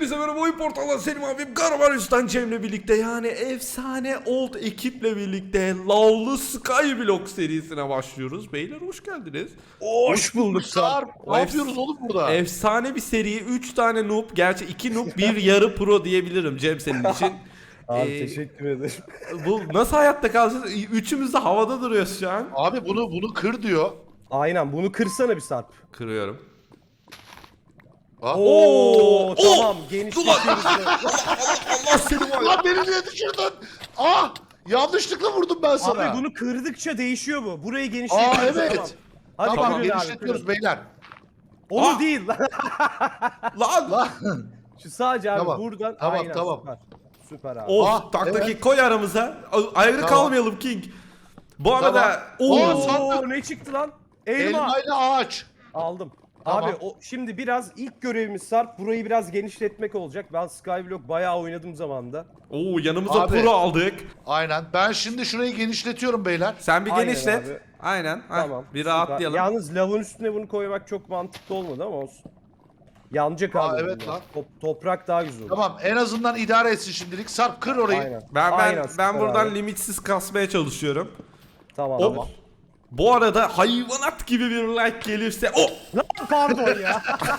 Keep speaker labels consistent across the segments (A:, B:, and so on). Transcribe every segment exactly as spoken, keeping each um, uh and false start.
A: Hepinize merhaba, oyun portalından Selim abim, Karaman Üstten Cem'le birlikte, yani efsane old ekiple birlikte Lavlı Skyblock serisine başlıyoruz. Beyler hoş geldiniz.
B: Hoş bulduk Sarp. Ne yapıyoruz oğlum burada?
A: Efsane bir seri, üç tane noob, gerçi iki noob bir yarı pro diyebilirim Cem senin için.
B: Abi
A: Ee,
B: teşekkür ederim.
A: Bu nasıl hayatta kalacağız? Üçümüz de havada duruyoruz şu an.
C: Abi bunu bunu kır diyor.
B: Aynen, bunu kırsana bir Sarp.
A: Kırıyorum.
C: Ha?
B: Oo,
A: Oo,
B: tamam,
A: oo,
B: genişletiyoruz.
A: Allah seni var ya.
C: Lan beni niye düşürdün? Ah! Yanlışlıkla vurdum ben sana.
B: Abi bunu kırdıkça değişiyor bu. Burayı genişletiyoruz.
C: Aa evet.
B: Tamam. Hadi
C: Tamam,
B: kırın abi,
C: genişletiyoruz
B: kırın.
C: beyler.
B: Onu
A: Aa!
B: değil lan.
A: Lan.
C: Lan.
B: Şu sadece abi
C: Tamam,
B: buradan.
C: tamam,
B: Aynen,
C: tamam.
B: Süper. Süper abi.
A: Of,
C: Ah,
A: taktaki
C: evet.
A: koy aramıza. Ayrı
C: Tamam.
A: kalmayalım King. Bu arada
C: Tamam.
A: Oo,
C: Aa, sandık.
B: Oo, ne çıktı lan? Elma.
C: Elma ile ağaç.
B: Aldım.
C: Tamam.
B: Abi o şimdi biraz ilk görevimiz Sarp burayı biraz genişletmek olacak. Ben Skyblock bayağı oynadım zamanında.
A: Oo, yanımıza
C: Abi.
A: pro aldık.
C: Aynen. Ben şimdi şurayı genişletiyorum beyler.
A: Sen bir
B: Aynen
A: genişlet.
B: abi.
A: Aynen. Heh,
B: Tamam.
A: bir
B: süper.
A: rahatlayalım.
B: Yalnız lavın üstüne bunu koymak çok mantıklı olmadı ama olsun. Yanacak
C: Aa,
B: abi.
C: evet
B: bunlar.
C: lan.
B: Top- toprak daha güzel olur.
C: Tamam, en azından idare etsin şimdilik. Sarp kır orayı.
B: Aynen.
A: Ben ben
B: Aynen,
A: ben
B: süper
A: buradan
B: abi.
A: limitsiz kasmaya çalışıyorum.
B: Tamam.
A: Hop.
B: Tamam.
A: Bu arada hayvanat gibi bir like gelirse oh!
B: Lan pardon ya.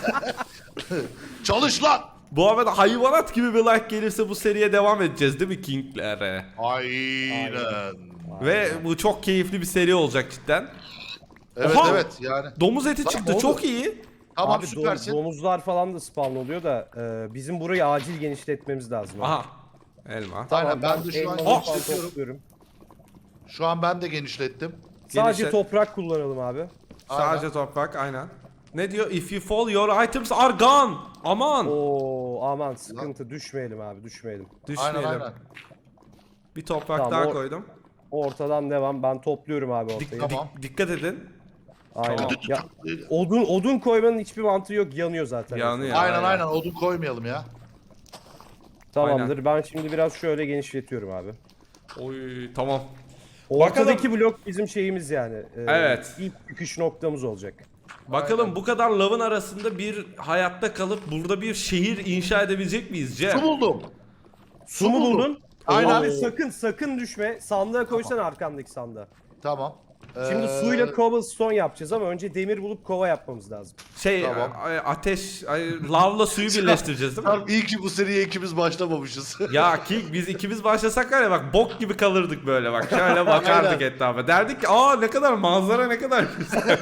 C: Çalış lan.
A: Bu arada hayvanat gibi bir like gelirse bu seriye devam edeceğiz değil mi King'lere?
C: Aynen.
A: Ve bu çok keyifli bir seri olacak cidden.
C: Evet
A: Oha!
C: evet yani.
A: Domuz eti
C: Lan
A: çıktı,
C: oldu.
A: çok iyi.
C: Tamam
B: Abi
C: süpersin.
B: dom- domuzlar falan da spawn oluyor da e, bizim burayı acil genişletmemiz lazım. abi.
A: Aha. Elma.
B: Tamam,
C: Aynen, ben de şu an
B: elmaları
A: Oh!
B: falan
C: genişletiyorum.
B: topluyorum.
C: Şu an ben de genişlettim.
B: Sadece
A: Genişlet.
B: toprak kullanalım abi.
A: Sadece toprak, aynen. Ne diyor? If you fall your items are gone. Aman.
B: Oo aman sıkıntı, düşmeyelim abi, düşmeyelim.
A: Düşmeyelim.
C: Aynen aynen.
A: Bir toprak
B: Tamam,
A: daha
B: o-
A: koydum.
B: Ortadan devam. Ben topluyorum abi
A: Dik-
B: ortayı.
C: Tamam.
A: dik- dikkat edin.
B: Aynen.
A: Tamam.
B: Ya, odun odun koymanın hiçbir mantığı yok. Yanıyor zaten.
A: Yanıyor.
C: Aynen
A: aynen.
C: aynen odun koymayalım ya.
B: Tamamdır. Ben şimdi biraz şöyle genişletiyorum abi.
A: Oy, tamam.
B: Ortadaki blok bizim şeyimiz yani. Ee,
A: Evet.
B: İlk çıkış noktamız olacak.
A: Bakalım bu kadar lavın arasında bir hayatta kalıp burada bir şehir inşa edebilecek miyiz Cem?
C: Su buldum.
B: Su mu buldun?
C: Aynen.
B: Abi sakın sakın düşme. Sandığa koysana arkandaki sandığa.
C: Tamam.
B: Şimdi
C: Ee,
B: suyla cobblestone yapacağız ama önce demir bulup kova yapmamız lazım.
A: Şey,
C: Tamam.
A: a- ateş, ay, lavla suyu birleştireceğiz değil mi?
C: Tamam, iyi ki bu seriye ikimiz başlamamışız.
A: Ya ki biz ikimiz başlasak var ya, bak bok gibi kalırdık böyle, bak şöyle bakardık
C: Aynen.
A: etrafa. Derdik ki aa ne kadar manzara, ne kadar güzel.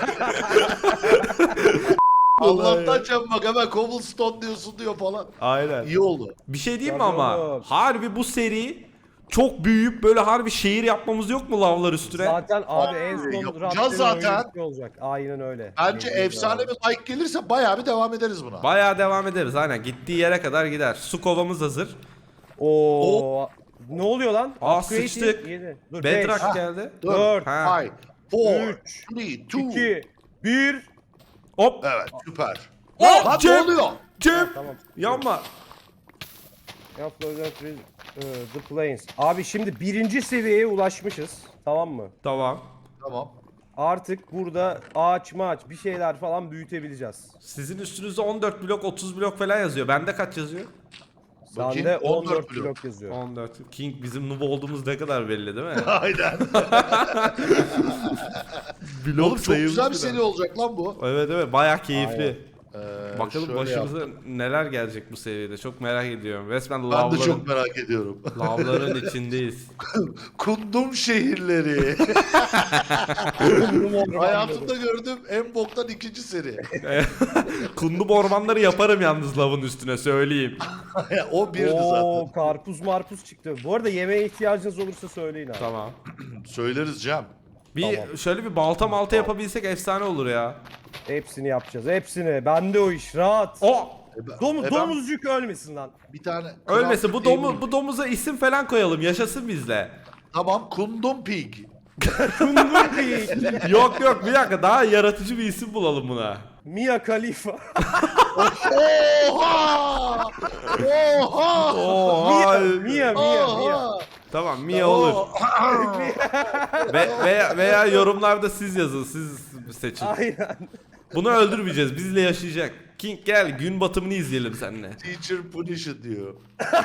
C: Allah'tan Cem bak hemen cobblestone diyorsun diyor falan.
A: Aynen.
C: İyi oldu.
A: Bir şey diyeyim mi
B: Tabii
A: ama?
B: oğlum.
A: Harbi bu seri çok büyüyüp böyle harbi şehir yapmamız yok mu lavlar üstüne?
B: Zaten abi en
C: Abi,
B: son
C: yapacağız
B: Rabbi'nin
C: zaten.
B: oyunu bitti olacak. Aynen öyle.
C: Bence
B: Aynen
C: efsane
B: öyle.
C: bir like gelirse bayağı bir devam ederiz buna.
A: Bayağı devam ederiz, aynen, gittiği yere kadar gider. Su kovamız hazır.
B: Oo. Ne oluyor lan?
A: Aa,
B: Upgrade
A: sıçtık.
B: yedi. Dur,
A: Bedrock
B: beş,
A: geldi.
B: dört,
A: Ha.
C: Five, four,
B: üç,
C: three, two.
B: iki, bir.
A: Hop.
C: Evet süper.
A: Hop,
C: Lan ne
A: Cem.
C: oluyor?
A: Cem.
B: Tamam.
A: Yanma.
B: Yaptılar, The Plains. Abi şimdi birinci seviyeye ulaşmışız. Tamam mı?
A: Tamam.
C: Tamam.
B: Artık burada ağaç maç bir şeyler falan büyütebileceğiz.
A: Sizin üstünüzde on dört blok, otuz blok falan yazıyor. Bende kaç yazıyor?
C: Bakayım,
B: Sende
C: on
B: on
C: dört
B: dört
C: blok.
B: blok yazıyor.
A: on dört. King bizim noob olduğumuz ne kadar belli değil mi?
C: Aynen.
A: Blok
C: Oğlum çok güzel bir
A: sayılmış
C: seri
A: biraz.
C: olacak lan bu.
A: Evet evet, bayağı keyifli.
C: Ee,
A: Bakalım
C: şöyle
A: başımıza
C: yap.
A: neler gelecek bu seviyede. Çok merak ediyorum. Resmen
C: Ben de
A: lavların,
C: çok merak ediyorum.
A: lavların içindeyiz.
C: Kundum şehirleri. Hayatımda gördüğüm en boktan ikinci seri.
A: Kundum ormanları yaparım yalnız lavın üstüne, söyleyeyim.
C: O birdi
B: Oo,
C: zaten.
B: karpuz marpuz çıktı. Bu arada yemeğe ihtiyacınız olursa söyleyin abi.
A: Tamam.
C: Söyleriz Cem.
A: Bir
B: Tamam.
A: şöyle bir balta malta yapabilsek efsane olur ya.
B: Hepsini yapacağız. Hepsini. Bende o iş. Rahat.
A: O
C: E ben-
B: Domuz,
C: e ben
B: domuzcuk ölmesin lan.
C: bir tane
A: ölmesin, bu
C: Craft
A: domu
C: Table-
A: bu domuza isim falan koyalım, yaşasın bizle.
C: Tamam, Kundum Pig.
B: Kundur değil.
A: Yok yok, bir dakika, daha yaratıcı bir isim bulalım buna.
B: Mia Khalifa.
C: Oha! Oha!
A: Oha.
B: Mia, Mia, Mia.
C: Oha!
A: Tamam, Mia olur. Ve, veya, veya yorumlarda siz yazın, siz seçin.
B: Aynen.
A: Bunu öldürmeyeceğiz, bizle yaşayacak. King gel gün batımını izleyelim seninle.
C: Teacher punish it diyor.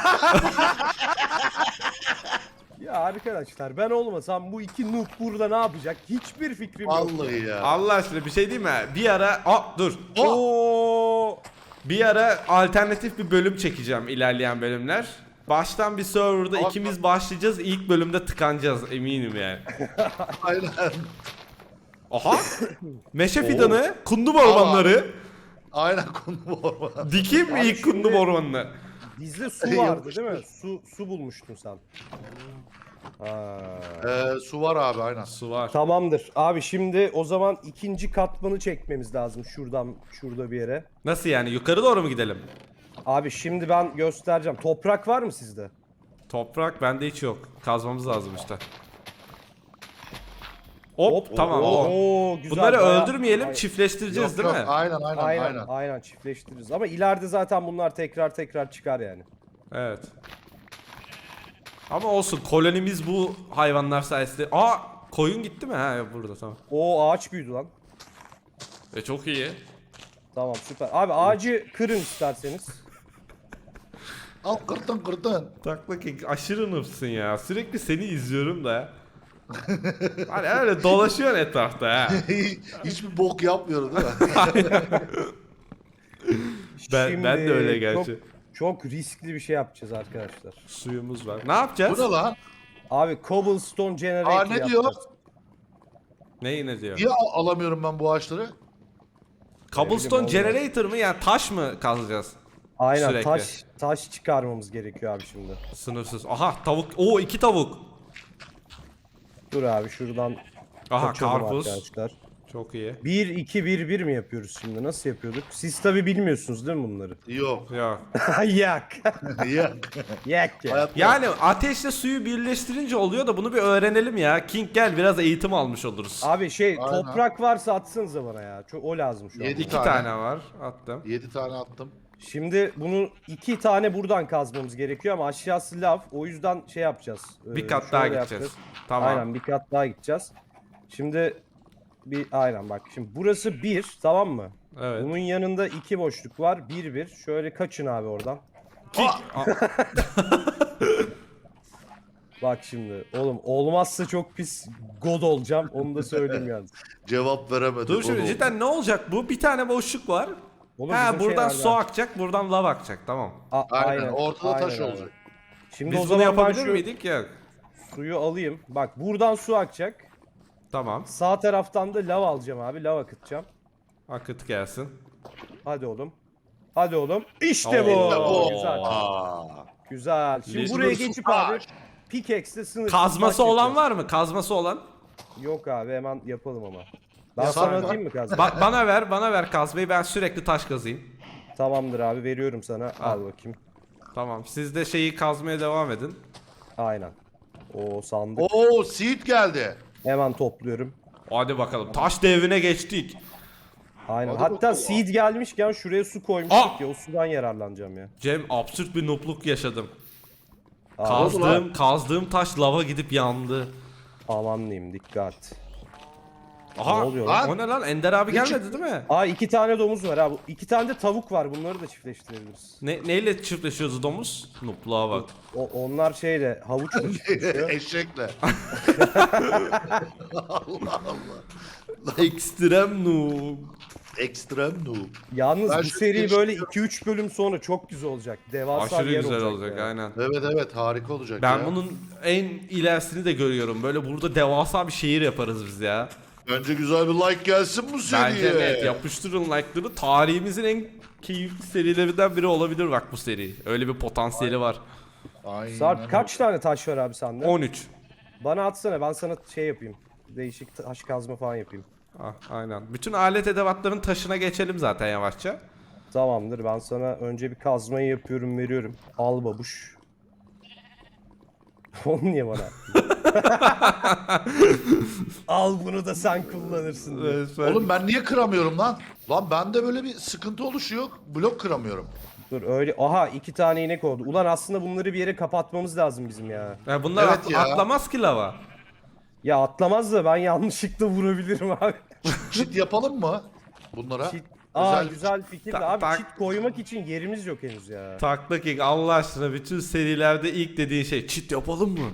B: Ya arkadaşlar ben olmasam bu iki noob burada ne yapacak? Hiçbir fikrim yok.
C: Vallahi ya.
A: Allah aşkına bir şey değil mi? Bir ara... Aa dur.
B: Oo!
A: Bir ara alternatif bir bölüm çekeceğim ilerleyen bölümler. Baştan bir serverda
C: Ama-
A: ikimiz başlayacağız. İlk bölümde tıkanacağız eminim yani.
C: Aynen.
A: Aha! Meşe fidanı, kundum ormanları.
C: Aynen konu orman.
A: Dikeyim mi
B: Abi
A: ilk kundum
B: şimdi-
A: ormanını?
B: Bizde su vardı değil mi? Su su bulmuştun sen. Ha.
C: Ee, su var abi aynen.
A: Su var.
B: Tamamdır. Abi şimdi o zaman ikinci katmanı çekmemiz lazım şuradan şurada bir yere.
A: Nasıl yani? Yukarı doğru mu gidelim?
B: Abi şimdi ben göstereceğim. Toprak var mı sizde?
A: Toprak bende hiç yok. Kazmamız lazım işte. Hop,
B: Hop,
A: tamam.
B: oo,
A: o.
B: oo, güzel,
A: Bunları
B: bayağı-
A: öldürmeyelim,
B: Ay-
A: çiftleştireceğiz
C: Yok,
A: değil
C: yok,
A: mi?
C: Aynen aynen
B: Aynen,
C: aynen.
B: aynen çiftleştiririz. Ama ileride zaten bunlar tekrar tekrar çıkar yani.
A: Evet. Ama olsun kolonimiz bu hayvanlar sayesinde. Aa, koyun gitti mi? Ha burada tamam.
B: O ağaç büyüdü lan.
A: E çok iyi.
B: Tamam süper. Abi ağacı kırın isterseniz.
C: Al kırdın kırdın.
A: Takla King aşırı noobsun ya. Sürekli seni izliyorum da. Hani öyle dolaşıyorsun etrafta ha.
C: Hiçbir bok yapmıyorum değil mi?
A: Ben- ben de öyle gerçi.
B: Çok, çok riskli bir şey yapacağız arkadaşlar.
A: Suyumuz var. Ne yapacağız?
C: Bu ne lan?
B: Abi cobblestone generator
C: Aa ne diyor?
B: yapacağız.
A: Ne yine diyor?
C: Niye al- alamıyorum ben bu ağaçları?
A: Cobblestone
B: Ne bileyim, olmaz.
A: generator mı? Yani taş mı kazacağız?
B: Aynen
A: Sürekli.
B: taş taş çıkarmamız gerekiyor abi şimdi.
A: Sınırsız. Aha tavuk. Oo iki tavuk.
B: Dur abi şuradan
A: Aha
B: kaçalım
A: karpuz.
B: arkadaşlar.
A: Çok iyi.
B: bir iki bir bir mi yapıyoruz şimdi? Nasıl yapıyorduk? Siz tabi bilmiyorsunuz değil mi bunları?
C: Yok.
A: Ya.
B: Yak.
C: Yok.
B: Yak ya.
C: Hayatta-
A: Yani ateşle suyu birleştirince oluyor da bunu bir öğrenelim ya. King gel biraz eğitim almış oluruz.
B: Abi şey
C: Aynen.
B: toprak varsa atsanıza bana ya. Çok o lazım şu an.
C: Yedi
A: İki
C: tane.
A: tane var. Attım.
C: Yedi tane attım.
B: Şimdi bunu iki tane buradan kazmamız gerekiyor ama aşağısı lav. O yüzden şey yapacağız.
A: Bir
B: Ee,
A: kat
B: şöyle
A: daha
B: yapacağız.
A: gideceğiz. Tamam.
B: Aynen bir kat daha gideceğiz. Şimdi bir aynen bak şimdi burası bir tamam mı?
A: Evet.
B: Bunun yanında iki boşluk var. Bir bir. Şöyle kaçın abi oradan.
A: King.
B: Bak şimdi oğlum olmazsa çok pis god olacağım. Onu da söyleyeyim yalnız.
C: Cevap veremedim.
A: Dur şimdi
C: Onu-
A: cidden ne olacak bu? Bir tane boşluk var.
B: Oğlum
A: Ha
B: bizim
A: buradan
B: şeylerden-
A: su akacak, buradan lav akacak. Tamam.
B: A-
C: Aynen, ortada taş
B: aynen abi.
C: olacak.
B: Şimdi
A: Biz
B: o
A: bunu
B: zaman ben
A: yapabilir
B: şu
A: miydik? Yok.
B: suyu alayım. Bak buradan su akacak.
A: Tamam.
B: Sağ taraftan da lav alacağım abi. Lav akıtacağım.
A: Akıt gelsin.
B: Hadi oğlum. Hadi oğlum. İşte
A: Oo.
B: bu.
C: İşte bu.
B: Güzel.
C: Aa.
B: Güzel. Şimdi
A: Biz-
B: buraya
C: Sınırsız
B: geçip abi
C: taş.
B: pickaxe'le sınırsız
A: Kazması
B: taş
A: olan
B: yapacağız.
A: var mı? Kazması olan.
B: Yok abi hemen yapalım ama. Ben
C: Ya
B: sana
C: sen-
B: atayım mı kazma?
A: Ba- bana ver, bana ver kazmayı. Ben sürekli taş kazayım.
B: Tamamdır abi veriyorum sana. Al bakayım.
A: Tamam. Siz de şeyi kazmaya devam edin.
B: Aynen. O sandık.
C: Oo seed geldi.
B: Hemen topluyorum.
A: Hadi bakalım. Taş devrine geçtik.
B: Aynen.
C: Hadi
B: Hatta
C: bakalım.
B: seed gelmişken şuraya su koymuştuk
A: Aa!
B: ya. O sudan yararlanacağım ya.
A: Cem absürt bir noobluk yaşadım.
B: Aa,
A: Kazdığım, kazdığım taş lava gidip yandı.
B: aman diyeyim dikkat.
A: Aha.
B: Ne oluyor
C: lan?
A: O ne lan? Ender abi gelmedi değil mi?
B: Aa iki tane domuz var abi. İki tane de tavuk var. Bunları da çiftleştirebiliriz.
A: Ne, neyle çiftleşiyoruz domuz? Noobluğa bak.
B: O, onlar şeyle havuçla çiftleşiyor.
C: Eşekle. Allah Allah.
A: Ekstrem noob.
C: Ekstrem noob.
B: Yalnız
C: Ben
B: bu
C: şu
B: seri
C: geliştiriyorum.
B: böyle iki üç bölüm sonra çok güzel olacak. Devasa
A: Aşırı
B: bir yer
A: güzel
B: olacak.
A: olacak
B: ya.
A: aynen.
C: Evet evet harika olacak
A: Ben
C: ya.
A: bunun en ilerisini de görüyorum. Böyle burada devasa bir şehir yaparız biz ya.
C: Bence güzel bir like gelsin bu seriye.
A: Bence net yapıştırın like'ları. Tarihimizin en keyifli serilerinden biri olabilir bak bu seri. Öyle bir potansiyeli var.
C: Aynen.
B: Sarp kaç tane taş var abi sende?
A: on üç.
B: Bana atsana ben sana şey yapayım. Değişik taş kazma falan yapayım.
A: Ah, aynen. Bütün alet edevatların taşına geçelim zaten yavaşça.
B: Tamamdır ben sana önce bir kazmayı yapıyorum veriyorum. Al babuş. Onu niye bana attın? Al bunu da sen kullanırsın diye.
C: Oğlum ben niye kıramıyorum lan? Lan bende böyle bir sıkıntı oluşuyor. Blok kıramıyorum.
B: Dur öyle. Aha iki tane inek oldu. Ulan aslında bunları bir yere kapatmamız lazım bizim ya.
A: Ya bunlar
C: Evet
A: at-
C: ya.
A: atlamaz ki lava.
B: Ya atlamaz da ben yanlışlıkla vurabilirim abi.
C: Çit yapalım mı bunlara?
B: Çit, Aa
C: Güzel.
B: güzel fikir de
A: Tak-
B: abi
A: tak.
B: çit koymak için yerimiz yok henüz ya.
A: Takla King Allah aşkına bütün serilerde ilk dediğin şey çit yapalım mı?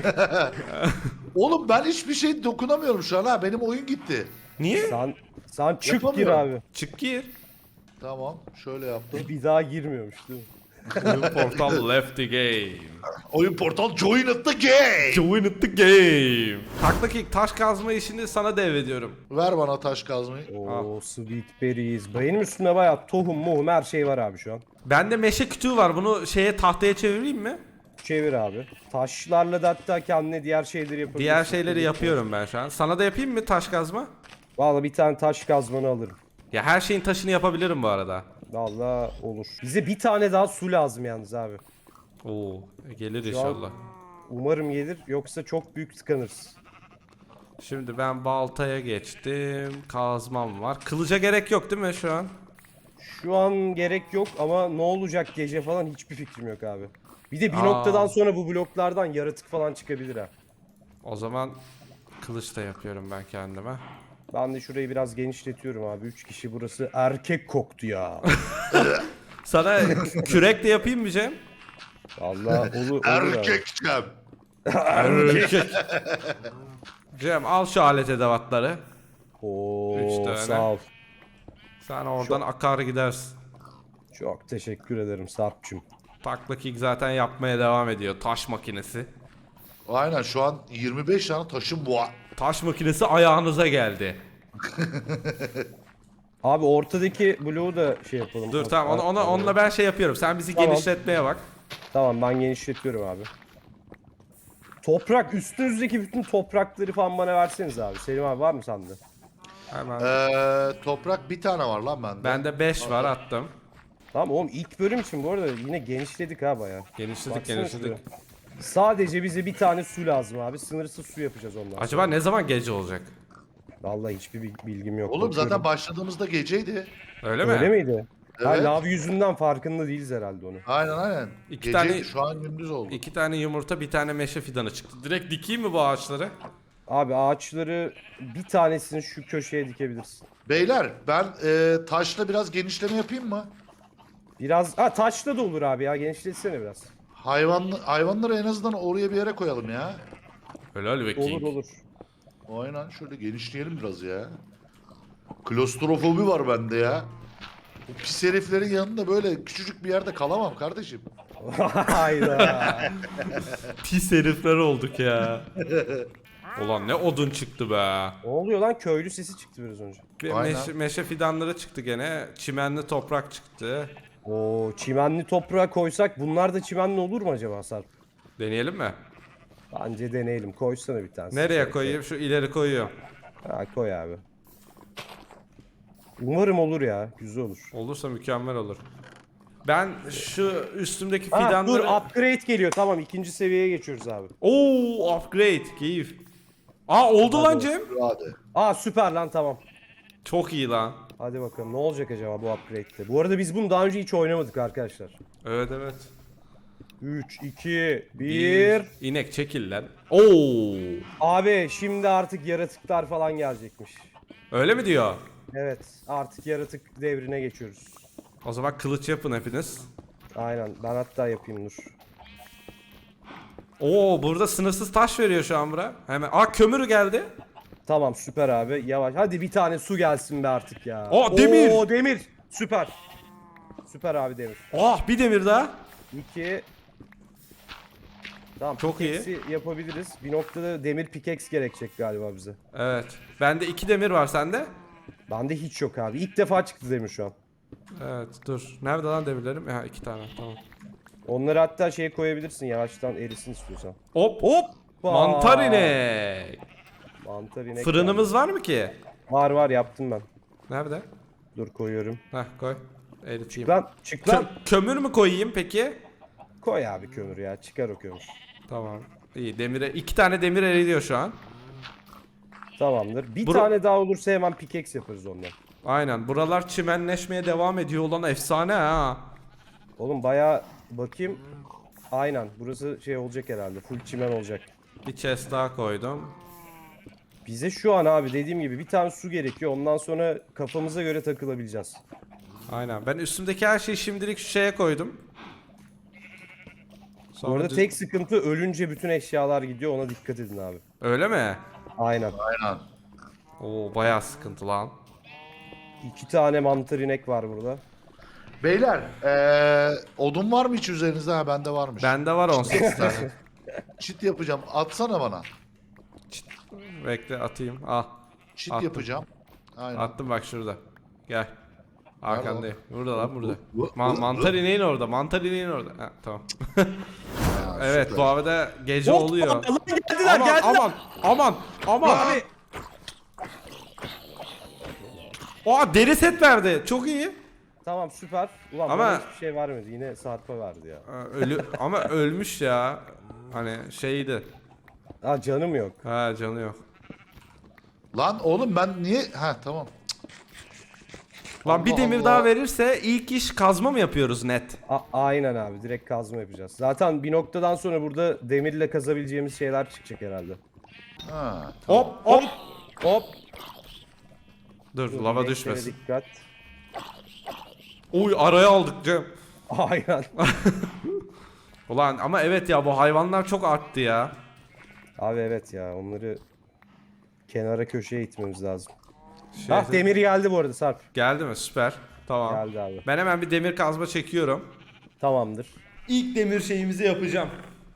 C: Oğlum ben hiçbir şey dokunamıyorum şu an ha. Benim oyun gitti.
A: Niye?
B: Sen, sen çık gir
C: Yapamıyorum.
B: abi.
A: Çık gir.
C: Tamam şöyle yaptım.
B: Bir daha girmiyormuş değil mi?
A: Oyun portal left the game.
C: Oyun portal join at the game.
A: Join at the game. Takla King taş kazma işini sana devrediyorum.
C: Ver bana taş kazmayı.
B: Oo sweet berries. Benim üstümde bayağı tohum muhum her şey var abi şu an.
A: Bende meşe kütüğü var. Bunu şeye tahtaya çevireyim mi?
B: Çevir abi. Taşlarla da hatta kendine diğer şeyleri yapabilirsin.
A: Diğer şeyleri yapıyorum ben şu an. Sana da yapayım mı taş kazma?
B: Valla bir tane taş kazmanı alırım.
A: Ya her şeyin taşını yapabilirim bu arada.
B: Valla olur. Bize bir tane daha su lazım yalnız abi.
A: Oo, gelir
B: Şu an-
A: inşallah.
B: Umarım gelir yoksa çok büyük tıkanırız.
A: Şimdi ben baltaya geçtim. Kazmam var. Kılıca gerek yok değil mi şu an?
B: Şu an gerek yok ama ne olacak gece falan hiçbir fikrim yok abi. Bir de bir
A: Aa.
B: noktadan sonra bu bloklardan yaratık falan çıkabilir ha.
A: O zaman kılıç da yapıyorum ben kendime.
B: Ben de şurayı biraz genişletiyorum abi. Üç kişi burası erkek koktu ya.
A: Sana kürek de yapayım mı Cem?
B: Valla olur, olur abi.
C: Erkekçem.
A: Erkek. Cem al şu alet edevatları. Üç
B: Oo
A: tane.
B: sağ ol.
A: Sen oradan akar gidersin.
B: Çok teşekkür ederim Sarp'cığım.
A: Takla King zaten yapmaya devam ediyor. Taş makinesi.
C: Aynen şu an yirmi beş tane taşım bu.
A: Taş makinesi ayağınıza geldi.
B: Abi ortadaki bloğu da şey yapalım.
A: Dur tamam ona, ona, onunla ben şey yapıyorum. Sen bizi
B: Tamam.
A: genişletmeye bak.
B: Tamam ben genişletiyorum abi. Toprak üstünüzdeki bütün toprakları falan bana verseniz abi. Selim abi var mı sende?
A: Hemen.
C: Ee, toprak bir tane var lan bende.
A: Bende beş var attım.
B: Tamam oğlum ilk bölüm için bu arada yine genişledik ha baya.
A: Genişledik
B: Baksana
A: genişledik.
B: şuraya. Sadece bize bir tane su lazım abi. Sınırsız su yapacağız ondan sonra.
A: Acaba ne zaman gece olacak?
B: Vallahi hiçbir bil- bilgim yok.
C: Oğlum
B: Bakıyorum.
C: zaten başladığımızda geceydi.
A: Öyle mi?
B: Öyle miydi? Ha,
C: Evet.
B: lav yüzünden farkında değiliz herhalde onu.
C: Aynen aynen.
A: İki
C: Geceydi
A: tane-
C: şu an gündüz oldu.
A: İki tane yumurta bir tane meşe fidanı çıktı. Direkt dikeyim mi bu ağaçları?
B: Abi ağaçları bir tanesini şu köşeye dikebilirsin.
C: Beyler ben e, taşla biraz genişleme yapayım mı?
B: Biraz ha taşla da olur abi ya genişletsene biraz.
C: Hayvan, hayvanları en azından oraya bir yere koyalım ya.
A: Helal be King.
B: Olur olur.
C: Aynen şöyle genişleyelim biraz ya. Klostrofobi var bende ya. Bu pis heriflerin yanında böyle küçücük bir yerde kalamam kardeşim.
B: Hayda.
A: Pis herifler olduk ya. Ulan ne odun çıktı be.
B: Ne oluyor lan köylü sesi çıktı biraz önce.
A: Bir
C: Aynen.
A: meşe, meşe fidanları çıktı gene. Çimenli toprak çıktı.
B: Oo çimenli toprağa koysak bunlar da çimenli olur mu acaba Sarp?
A: Deneyelim mi?
B: Bence deneyelim. Koysana bir tane.
A: Nereye koyayım? Şu ileri koyuyorum.
B: Ha koy abi. Umarım olur ya. Güzel olur.
A: Olursa mükemmel olur. Ben şu üstümdeki
B: Ha, dur
A: fidanları...
B: upgrade geliyor. Tamam ikinci seviyeye geçiyoruz abi.
A: Oo upgrade. Keyif. Aa oldu lan Cem.
C: Hadi.
B: Aa süper lan tamam.
A: Çok iyi lan.
B: Hadi bakalım ne olacak acaba bu upgrade'de. Bu arada biz bunu daha önce hiç oynamadık arkadaşlar.
A: Evet evet.
B: üç, iki, bir.
A: İnek çekil lan. Oo.
B: Abi şimdi artık yaratıklar falan gelecekmiş.
A: Öyle mi diyor?
B: Evet artık yaratık devrine geçiyoruz.
A: O zaman kılıç yapın hepiniz.
B: Aynen ben hatta yapayım dur.
A: Oo burada sınırsız taş veriyor şu an bura. Hemen. Aa kömür geldi.
B: Tamam süper abi yavaş. Hadi bir tane su gelsin be artık ya.
A: Aa, demir.
B: Oo demir. Süper. Süper abi demir.
A: Oh bir demir daha.
B: İki. Tamam
A: Çok iyi.
B: pickaxe'i yapabiliriz. Bir noktada demir pickaxe gerekecek galiba bize.
A: Evet. Bende iki demir var sende.
B: Bende hiç yok abi. İlk defa çıktı demir şu an.
A: Evet dur. Nerede lan demirlerim? Ha iki tane tamam.
B: Onları hatta şeye koyabilirsin yavaştan erisin istiyorsan.
A: Hop.
B: Hop!
A: Mantar inek.
B: Mantar inek.
A: Fırınımız var mı ki?
B: geldi. Var var yaptım ben.
A: Nerede?
B: Dur koyuyorum.
A: Heh koy. Eriteyim.
B: Çık lan çık
A: Kö-
B: lan.
A: kömür mü koyayım peki?
B: Koy abi kömür ya çıkar o kömür.
A: Tamam. İyi demire iki tane demir eriyor şu an.
B: Tamamdır. Bir
A: Bura-
B: tane daha olursa hemen pickaxe yaparız ondan.
A: Aynen. Buralar çimenleşmeye devam ediyor olan efsane ha.
B: Oğlum bayağı bakayım. Aynen burası şey olacak herhalde. Full çimen olacak.
A: Bir chest daha koydum.
B: Bize şu an abi dediğim gibi bir tane su gerekiyor. Ondan sonra kafamıza göre takılabileceğiz.
A: Aynen. Ben üstümdeki her şeyi şimdilik şu şeye koydum.
B: Bu
A: Sonra
B: arada
A: düz-
B: tek sıkıntı ölünce bütün eşyalar gidiyor. Ona dikkat edin abi.
A: Öyle mi?
B: Aynen.
C: Aynen.
A: Oo bayağı sıkıntı lan.
B: İki tane mantar inek var burada.
C: Beyler ee, odun var mı hiç üzerinizde? Ha bende varmış.
A: Bende var on sekiz tane.
C: Çit yapacağım. Atsana bana.
A: Bekle atayım. Al.
C: Çit
A: Attım.
C: yapacağım. Aynen.
A: Attım bak şurada. Gel. Arkandayım. Burada lan burada.
C: Bu-
A: Ma-
C: bu-
A: mantar ineğin orada. Mantar ineğin orada. Ha, tamam.
C: Ha,
A: Evet
C: süper.
A: bu arada gece
B: Hop,
A: oluyor.
B: Lan geldiler
A: Aman
B: geldiler.
A: aman aman aman.
B: Abi
A: Aa deri set verdi. Çok iyi.
B: tamam süper. Ulan
A: Ama-
B: bana hiçbir şey vermedi. Yine Sarp'a verdi ya.
A: Aa, Ölü ama ölmüş ya. Hani şeydi.
B: Ha canım yok.
A: Ha canı yok.
C: Lan oğlum ben niye... Ha tamam.
A: Lan bir
C: Allah
A: demir
C: Allah.
A: daha verirse ilk iş kazma mı yapıyoruz net?
B: A- aynen abi direkt kazma yapacağız. Zaten bir noktadan sonra burada demirle kazabileceğimiz şeyler çıkacak herhalde.
C: Ha.
A: Hop hop.
B: Hop.
A: Dur
B: Dur,
A: lava
B: renklere
A: düşmesin.
B: Dikkat.
A: Oy araya aldık Cem.
B: Aynen.
A: Ulan ama evet ya bu hayvanlar çok arttı ya.
B: Abi evet ya onları kenara köşeye itmemiz lazım.
A: Şey-
B: Ah demir geldi bu arada Sarp.
A: Geldi mi? Süper. Tamam.
B: Geldi abi.
A: Ben hemen bir demir kazma çekiyorum.
B: Tamamdır.
A: İlk demir şeyimizi yapacağım.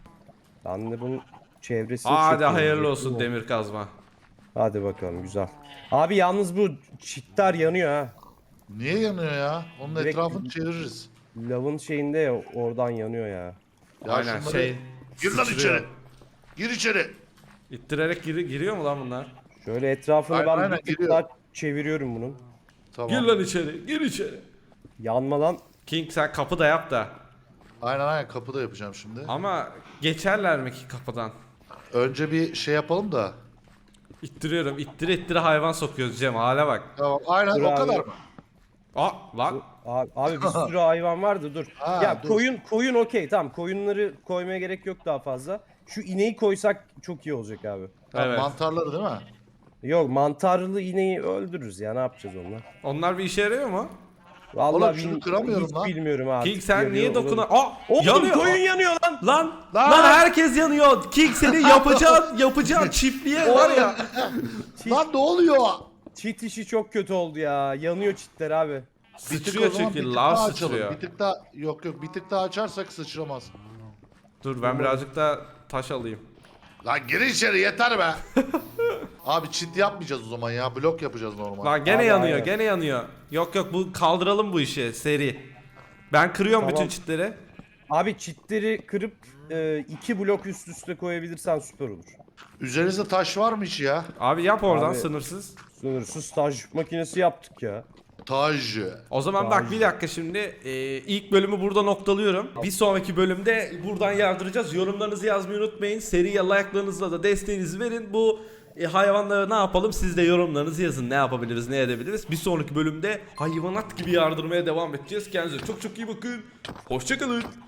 B: Ben de bunun çevresini
A: Hadi
B: çekiyorum.
A: hayırlı olsun demir kazma.
B: Hadi bakalım güzel. Abi yalnız bu çitler yanıyor ha.
C: Niye yanıyor ya? Onun
B: Direkt-
C: etrafını çeviririz.
B: Lavın şeyinde ya oradan yanıyor ya.
C: Ya
A: Aynen
C: şunları-
A: şey.
C: Gir lan
A: sıçrıyor.
C: içeri. Gir içeri.
A: İttirerek giri- giriyor mu lan bunlar?
B: Şöyle etrafını
C: Aynen,
B: ben
C: aynen,
B: bir tık
C: giriyor.
B: daha çeviriyorum bunun.
C: Tamam.
A: Gir lan içeri. Gir içeri.
B: Yanmadan
A: King sen kapı da yap da.
C: Aynen aynen kapıda yapacağım şimdi.
A: Ama geçerler mi ki kapıdan?
C: Önce bir şey yapalım da.
A: İttiriyorum. İttire ittire hayvan sokuyoruz Cem. Hale bak.
C: Tamam aynen
B: Dur
C: o
B: abi.
C: kadar mı?
A: Aa lan.
B: abi, abi bir sürü hayvan vardı dur.
C: Ha,
B: ya
C: dur.
B: koyun koyun okey tamam koyunları koymaya gerek yok daha fazla. Şu ineği koysak çok iyi olacak abi.
C: Tamam,
A: Evet.
C: mantarları değil mi?
B: Yok mantarlı ineği öldürürüz ya ne yapacağız onunla?
A: Onlar bir işe yarıyor mu?
B: Vallahi
C: Oğlum şunu
B: bil-
C: kıramıyorum
B: hiç
C: lan.
B: bilmiyorum abi.
A: King sen
B: Yanıyor,
A: niye
B: olur.
A: dokuna... Aa
B: Oğlum
A: yanıyor.
B: koyun yanıyor lan.
A: Lan,
C: Lan!
A: lan herkes yanıyor. King senin yapacağın yapacağın çiftliğe var ya.
C: Lan ne oluyor?
B: Çit işi çok kötü oldu ya. Yanıyor çitler abi.
C: Bir tık
A: Sıçrıyor
C: o zaman
A: çünkü
C: bir tık
A: lav
C: daha açalım.
A: sıçrıyor.
C: Bir tık daha yok yok bir tık daha açarsak sıçramaz.
A: Dur ben birazcık da taş alayım.
C: Lan gir içeri yeter be. Abi çit yapmayacağız o zaman ya. Blok yapacağız normal.
A: Lan gene
B: Abi,
A: yanıyor,
B: aynen.
A: gene yanıyor. Yok yok bu kaldıralım bu işi seri. Ben kırıyorum
B: Tamam.
A: bütün çitleri.
B: Abi çitleri kırıp e, iki blok üst üste koyabilirsen süper olur.
C: Üzerinizde taş var mı hiç ya?
A: Abi yap oradan
B: Abi-
A: sınırsız.
B: Sınırsız staj makinesi yaptık ya.
C: Taj.
A: O zaman bak bir dakika şimdi e, ilk bölümü burada noktalıyorum. Bir sonraki bölümde buradan yardıracağız. Yorumlarınızı yazmayı unutmayın. Seriye like'larınızla da desteğinizi verin. Bu e, hayvanları ne yapalım? Siz de yorumlarınızı yazın. Ne yapabiliriz, ne edebiliriz? Bir sonraki bölümde hayvanat gibi yardırmaya devam edeceğiz. Kendinize çok çok iyi bakın. Hoşçakalın.